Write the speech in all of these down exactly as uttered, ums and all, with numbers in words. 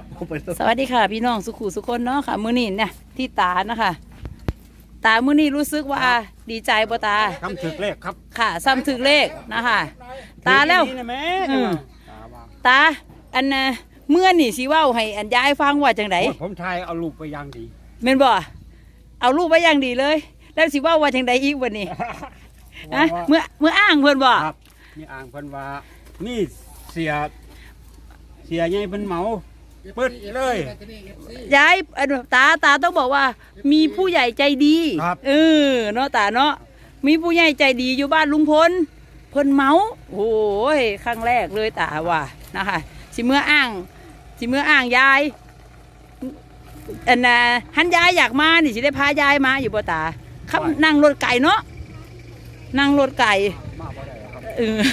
สวัสดีค่ะพี่น้องสุขุสุคนเนาะค่ะมื้อนี้เนี่ยที่ตานะคะตามื้อนี้รู้สึกว่าดีใจบ่ตาทำถึกเลขครับค่ะซ้ำถึกเลขนะคะตาแล้วนี่นะแม่อืมตาอันน่ะเมื่อนี่สิเว้าให้อันยายฟังว่าจังไดโอ้ยผมทายเอาลูกไปอยางดีแม่นบ่เอารูปไว้อย่างดีเลย แล้วสิเว้าว่าจังไดอีกวันนี้ฮะเมื่อเมื่ออ้างเพิ่นบ่ครับนี่อ่างเพิ่นว่านี่เสียเสียใหญ่เพิ่นเหมาเปิดเลยยายอันตาตาต้องบอกว่า มีผู้ใหญ่ใจดีครับเออเนาะตาเนาะมีผู้ใหญ่ใจดีอยู่บ้านลุงพลเพิ่นเมาโอ้ยครั้งแรกเลยตาว่านะคะสิเมื่ออ้างสิเมื่ออ้างยายอันน่ะหันยายอยากมานี่สิได้พายายมาอยู่บ่ตาขับนั่งรถไก่เนาะนั่งรถไก่มาบ่ได้ครับเออ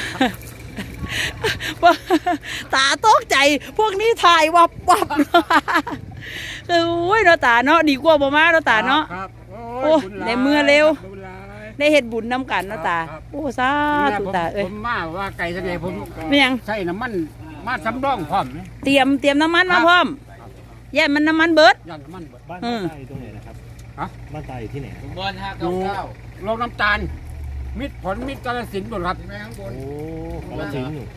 ตาตกใจพวกนี้ถ่ายวับวับเออโอ้ยเนาะตาเนาะดีกว่าบ่มาเนาะตาเนาะครับโอ้ในเมื่อเร็วบุญหลายได้เฮ็ดบุญนำกันเนาะตาครับโอ้สาธุตาเอ้ผยมมาว่าไก่ทะเลผมไม่ยังใส่น้ำมันมาสำรองพร้อมนะเตรียมเตรียมน้ำมันมาพร้อมแย่มันน้ำมันเบิดย่างน้ำมันเบิดบ้านอืบ้านมตายอยู่ตรงไหนนะครับฮะบ้านตายอยู่ที่ไหนบอลห้าอเก้ายู่เก้าโรงน้ำตาล มิตรผลมิตรกาฬสินธุ์บุรีรัมย์โอ้กาลสินธุ์อยู่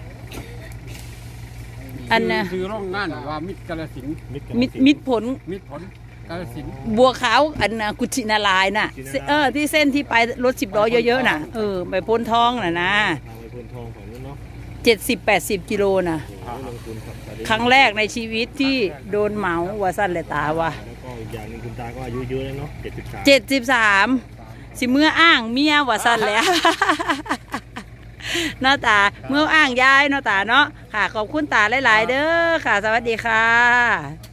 อันน่ะคือโรงงานว่ามิตรกาฬสินธุ์มิตรกาฬมิดสินธุ์มิดผลมิตรผลกาฬสินธุ์บัวขาวอันน่ะกุชินาลายณ์น่ะกุชินารายณ์เออที่เส้นที่ไปรถสิบล้อเยอะๆน่ะเออไปพ้นท้องน่ะนะทางไปพนทองฝั่งนู้นเนาะเจ็ดสิบแปดสิบกิโลน่ะโอ้ลงทุนครับตาดีครั้งแรกในชีวิตที่โดนเหมาว่าสั้นเลยตาว่าแล้วก็อีกอย่างหนึงคุณตาก็อายุเยอะแล้วเนาะเจ็ดสิบสามเจ็ดสิบสามสิเมื่ออ้างเมียว่าสั้นแล้ว เนาะตาเมื่ออ้างยายเนาะตาเนาะค่ะขอบคุณตาหลายๆเด้อค่ะ สวัสดีค่ะ